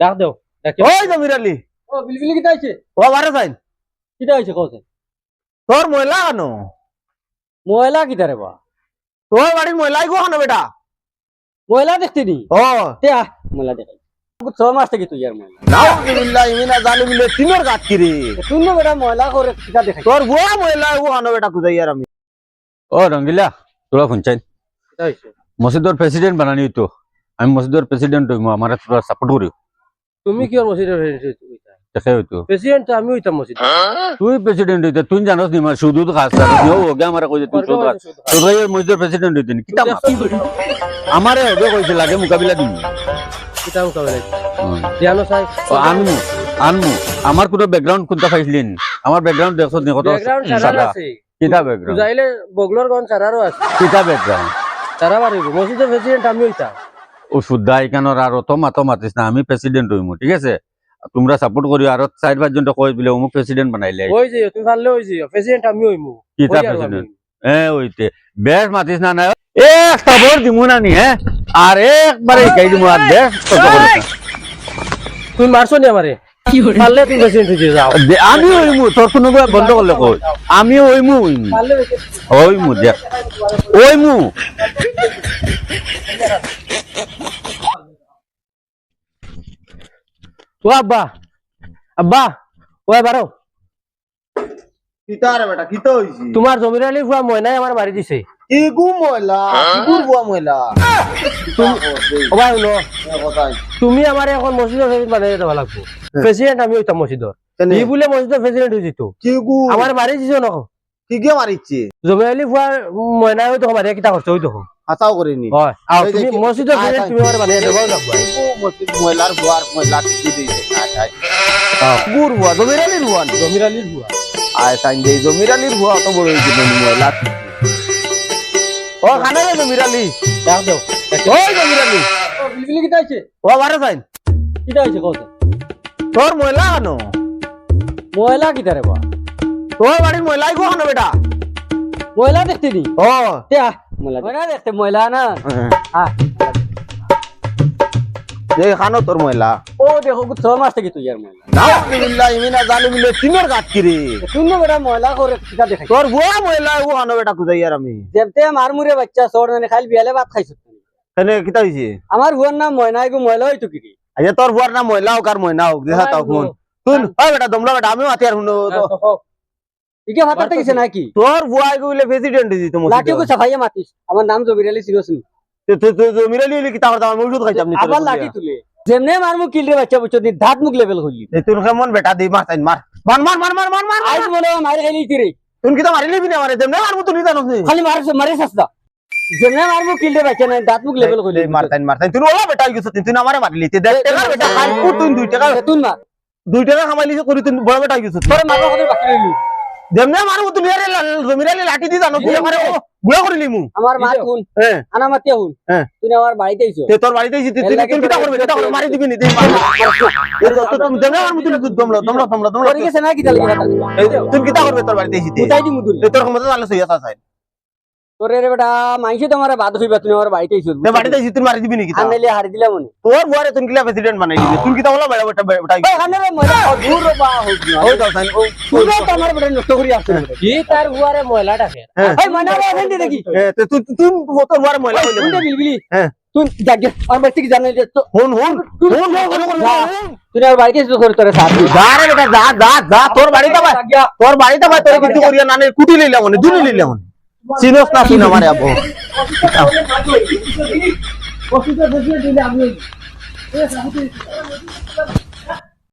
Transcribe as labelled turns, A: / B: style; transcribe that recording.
A: ডাক দেও
B: ওই জমির আলী
A: ও বিলবিলি কিটা আইছে
B: ও বারে যাইন
A: কিটা আইছে কোসে
B: তোর ময়লা আনো
A: ময়লা কিটা রে বা
B: তোর বাড়ির ময়লাই গো আনো বেটা
A: ময়লা দেখতে নি
B: ও
A: তে আ ময়লা দেখাই 6 মাস থেকে তুই আর ময়লা
B: নাউজুবিল্লাহ ইমিনা জালিমিলে তিনর গাত কিরে
A: তুই না বেটা ময়লা করে কিটা দেখাই
B: তোর বুয়া ময়লা ও আনো বেটা কুদাই আর আমি
C: ও রঙ্গিলা তোরা শুনছেন
A: কিটা হইছে
C: মসজিদের প্রেসিডেন্ট বানানি তো আমি মসজিদের প্রেসিডেন্ট হইমু আমার তোরা সাপোর্ট করিও
A: তুমি কি আর মসজিদের
C: দেখে হইতো
A: প্রেসিডেন্ট আমি হইতাম মসজিদ
C: তুই প্রেসিডেন্ট হইতে তুই জানোস নি মার শুধু খাস দিও ওগে আমার কইছে তুই শুধু খাস তোর মসজিদের প্রেসিডেন্ট হইতে নি কিটা আমারে হবে কইছে লাগে মোকাবিলা দিমু
A: কিটা মুকাবেলা জানো সাই
C: ও আনমু আমার কোনো ব্যাকগ্রাউন্ড কোনটা পাইছিলেন আমার ব্যাকগ্রাউন্ড দেখছ নি কত
A: ব্যাকগ্রাউন্ড সারা আছে
C: কিটা ব্যাকগ্রাউন্ড
A: যাইলে বগলর গন সারারও আছে
C: কিটা ব্যাকগ্রাউন্ড
A: সারা বাড়িব মসজিদের প্রেসিডেন্ট আমি হইতাম
C: ও শুদ্ধা এখানোর আর অত মাতিস না আমি প্রেসিডেন্ট হইমু ঠিক আছে তোমরা সাপোর্ট করিও আর 4-5 জন কই বলে অমুক প্রেসিডেন্ট বানাইলে
A: ওই যে তুমি পারলে ওই যে প্রেসিডেন্ট আমি হইমু
C: কিতা প্রেসিডেন্ট ওইতে বেশ মাতিস না না এক খবর দিমু না নি আর একবারে গাই দিমু আর বেশ কত করে
A: তুমি মারছো নি আমারে পারলে তুমি প্রেসিডেন্ট হইতে যাও
C: আমি হইমু তোর কোনো বন্ধ করলে কই আমি হইমু
A: পারলে
C: হইমু দেখ হইমু
A: ও আব্বা আব্বা ওই বারো
B: কিতা রে বেটা কিতা হইছি
A: তোমার জমির আলী ফুয়া ময়নাই আমার মারি দিছে
B: কি গু ময়লা কি গুর বুয়া ময়লা
A: ও ভাই নো তুমি আমার এখন মসজিদের প্রেসিডেন্ট বানাই দেওয়া লাগবে প্রেসিডেন্ট আমি হইতাম মসজিদের ই বলে মসজিদের প্রেসিডেন্ট হই যেত
B: কি গু
A: আমার মারি দিছো না
B: কি গে মারিছে
A: জমির আলী ফুয়া ময়নাই হইতো মারি কিটা করছো হইতো
B: হাসাও করিনি
A: হয় আর তুমি মসজিদের প্রেসিডেন্ট তুমি আমার বানাই দেওয়া লাগবে
B: ময়লার বুয়ার ময়লা কি দিছে গুর বুয়া জমির আলীর বুয়া
A: জমির আলীর ফুয়া
B: আয় সাইন দে জমির আলীর বুয়া তো বড় হইছে ময়লা ও খানা রে জমির আলী
A: ডাক দেও
B: ওই জমির আলী
A: ও বিলবিলি কিটা আইছে
B: ও বারে যাইন
A: কিটা আইছে কোসে
B: তোর ময়লা আনো
A: ময়লা কিটা রে বা
B: তোর বাড়ির ময়লাই গো আনো বেটা
A: ময়লা দেখতে নি
B: ও
A: তে আ ময়লা দেখতে ময়লা না আ
B: যে খানো তোর ময়লা
A: ও দেখো 6 মাস থেকে তুই আর ময়লা
B: নাউজুবিল্লাহ ইমিনা জালিমিলে তিনর গাত কিরে
A: তুই না বেটা ময়লা করে কিটা দেখাই
B: তোর বুয়া ময়লা ও আনো বেটা কুদাই আর আমি
A: যেমতে মার মুরে বাচ্চা সর মানে খালি বিয়ালে ভাত খাইছো
B: এনে কিতা হইছে
A: আমার হুয়ার নাম ময়নাই গো ময়লা হইতো কি
B: আচ্ছা তোর বুয়ার নাম ময়লা হোক আর ময়না হোক দেখা তাও কোন তুই ওই বেটা দমলা বেটা আমি মাতি আর হুনো
A: ইকে ভাতাতে গেছে নাকি
B: তোর বুয়া গইলে প্রেসিডেন্ট দিছি তো
A: লাঠি কো সাফাইয়া মাতিস আমার নাম জবির আলী সিরোসনি
B: তুই মিরালি হইলে কিতা করতাম আমি ওষুধ খাইতাম নি
A: আবার লাঠি তুলে যেমনে মার মুখ কিলরে বাচ্চা বুঝছো নি ধাত মুখ লেভেল হইলি
B: তুই কেমন বেটা দি মার তাই মার মার মার মার মার মার মার
A: আইস মনে মার খাইলি তিরে
B: তুই কিতা মারিলি বিনা মারে দেমনে মারবো তুই জানোস নি
A: খালি মারে সস্তা যেমনে মার মুখ কিলরে বাচ্চা না ধাত মুখ লেভেল হইলি
B: মার তাই তুই ওলা বেটা গেছ তুই না মারে মারলি তুই 10 টাকা বেটা খাই তুই 2 টাকা
A: তুই মার
B: 2 টাকা কামাইলি করি তুই বড় বেটা গেছ
A: তোরে মারবা কত বাকি রইলি
B: দেমনে মারবো তুই আরে জমিরালি লাঠি দি জানো তুই আমারে গুলা করিলি মু
A: আমার মা হুন
B: হ্যাঁ
A: আনা মাতিয়া হুন
B: হ্যাঁ
A: তুই আমার বাড়িতে আইছো
B: তে তোর বাড়িতে এসে তুই কিতা করবি কিতা করবি মারি দিবি নি তুই তুমি দেমনে মারবো তুই দমলা
A: তোর গেছে না কি তালি
B: তুই কিতা করবি তোর বাড়িতে এসে
A: মুতাই দি মুদুল
B: তোর ক্ষমতা চালে সইয়া চাই
A: তোরে রে বেটা মাইছে তোমার বাদ হইবা তুমি আমার বাড়িতে আইছো
B: তে বাড়িতে এসে তুই মারি দিবি নি কিতা
A: আনলে হারি দিলা মনে
B: তোর বুয়ারে তুই কিলা প্রেসিডেন্ট বানাই দিবি তুই কিতা বলা বেটা বেটা
A: ওই খানে রে ময়লা দূর বা হইবা
B: ওই দাও সাইন
A: তুই তো আমার বেটা নষ্ট করি আসছ কি তার হুয়ারে ময়লা ডাকে ওই ময়না রে এখান দিকে
B: তুই তুই তুই তোর বুয়ারে ময়লা হইলে
A: তুই বিলবিলি
B: হ্যাঁ
A: তুই জাগে আর বাড়ি থেকে জানাই যে
B: হুন
A: তুই আর বাড়িতে এসে করে তোরে সাথ
B: যা রে বেটা যা তোর বাড়িতে ভাই তোর কিছু করিয়া না কুটি লইলা মনে দুনি লইলা মনে চিনোস না তুই আমারে আবো
A: অসুবিধা দিলে আমি